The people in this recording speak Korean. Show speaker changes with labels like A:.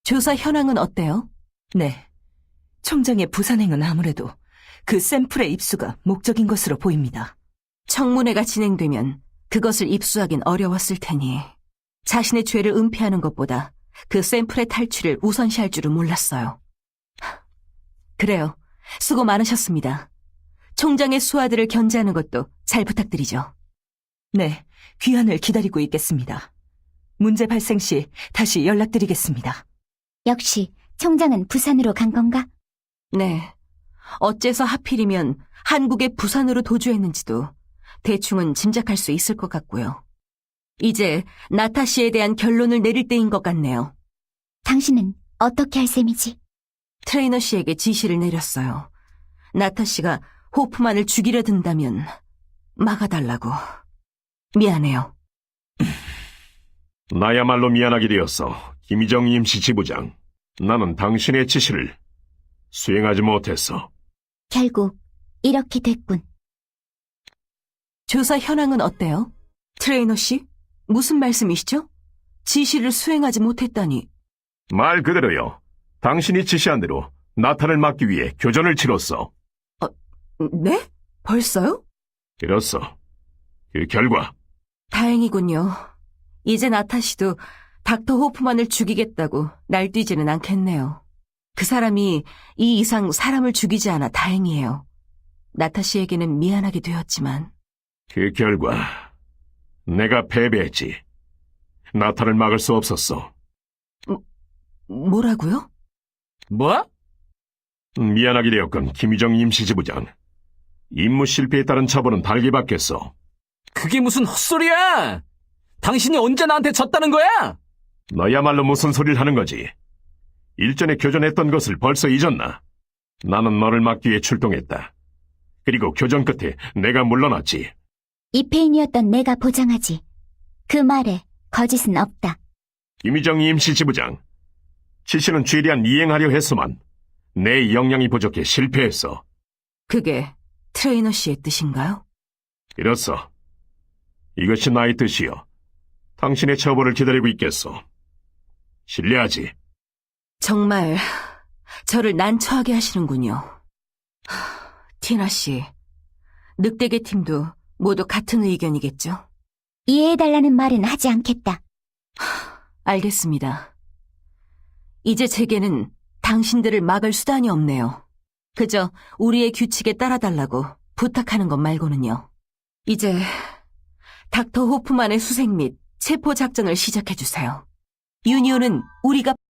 A: 조사 현황은 어때요?
B: 네. 총장의 부산행은 아무래도 그 샘플의 입수가 목적인 것으로 보입니다.
A: 청문회가 진행되면 그것을 입수하긴 어려웠을 테니 자신의 죄를 은폐하는 것보다 그 샘플의 탈취를 우선시할 줄은 몰랐어요. 그래요. 수고 많으셨습니다. 총장의 수하들을 견제하는 것도 잘 부탁드리죠.
B: 네, 귀환을 기다리고 있겠습니다. 문제 발생 시 다시 연락드리겠습니다.
C: 역시 총장은 부산으로 간 건가?
A: 네. 어째서 하필이면 한국의 부산으로 도주했는지도 대충은 짐작할 수 있을 것 같고요. 이제 나타 씨에 대한 결론을 내릴 때인 것 같네요.
C: 당신은 어떻게 할 셈이지?
A: 트레이너 씨에게 지시를 내렸어요. 나타 씨가 호프만을 죽이려 든다면 막아달라고. 미안해요.
D: 나야말로 미안하게 되었어, 김희정 임시지부장. 나는 당신의 지시를 수행하지 못했어.
C: 결국 이렇게 됐군.
A: 조사 현황은 어때요? 트레이너 씨? 무슨 말씀이시죠? 지시를 수행하지 못했다니.
D: 말 그대로요. 당신이 지시한 대로 나타를 막기 위해 교전을 치렀어.
A: 네? 벌써요?
D: 그렇소. 그 결과
A: 다행이군요. 이제 나타 씨도 닥터 호프만을 죽이겠다고 날뛰지는 않겠네요. 그 사람이 이 이상 사람을 죽이지 않아 다행이에요. 나타 씨에게는 미안하게 되었지만.
D: 그 결과 내가 패배했지. 나타를 막을 수 없었어.
A: 뭐라고요?
E: 뭐?
D: 미안하게 되었건 김희정 임시지부장. 임무 실패에 따른 처벌은 달게 받겠어.
E: 그게 무슨 헛소리야! 당신이 언제 나한테 졌다는 거야?
D: 너야말로 무슨 소리를 하는 거지? 일전에 교전했던 것을 벌써 잊었나? 나는 너를 막기 위해 출동했다. 그리고 교전 끝에 내가 물러났지.
C: 이페인이었던 내가 보장하지. 그 말에 거짓은 없다.
D: 김희정 임시지부장. 지시는 최대한 이행하려 했소만 내 역량이 부족해 실패했어.
A: 그게 트레이너 씨의 뜻인가요?
D: 이렇소. 이것이 나의 뜻이요. 당신의 처벌을 기다리고 있겠소. 신뢰하지.
A: 정말 저를 난처하게 하시는군요. 티나 씨, 늑대계 팀도 모두 같은 의견이겠죠?
C: 이해해달라는 말은 하지 않겠다.
A: 알겠습니다. 이제 제게는 당신들을 막을 수단이 없네요. 그저 우리의 규칙에 따라달라고 부탁하는 것 말고는요. 이제 닥터 호프만의 수색 및 체포 작전을 시작해주세요. 유니온은 우리가